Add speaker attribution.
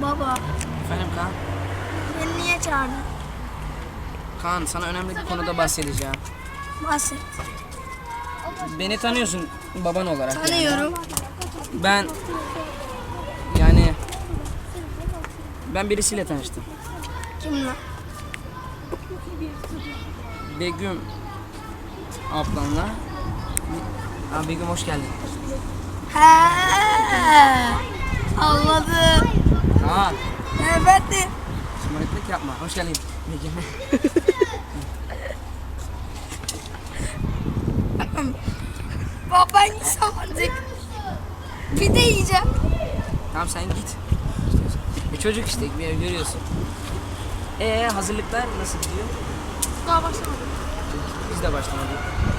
Speaker 1: Baba,
Speaker 2: Efendim Kaan?
Speaker 1: beni niye çağırdın?
Speaker 2: Kaan, sana önemli bir konuda bahsedeceğim.
Speaker 1: Bahset.
Speaker 2: Beni tanıyorsun baban olarak. yani.
Speaker 1: Tanıyorum.
Speaker 2: Ben ben birisiyle tanıştım.
Speaker 1: Kimle?
Speaker 2: Begüm ablanla. Begüm hoş geldin.
Speaker 1: He, anladım.
Speaker 2: Kaan,
Speaker 1: Evet.
Speaker 2: şımarıklık yapma. Hoş geldin Begüm.
Speaker 1: Baban sandık. Bir de yiyeceğim.
Speaker 2: Tamam sen git. Çocuk işte bir ev görüyorsun. Hazırlıklar nasıl gidiyor?
Speaker 1: Daha başlamadım.
Speaker 2: Biz de başlamadık.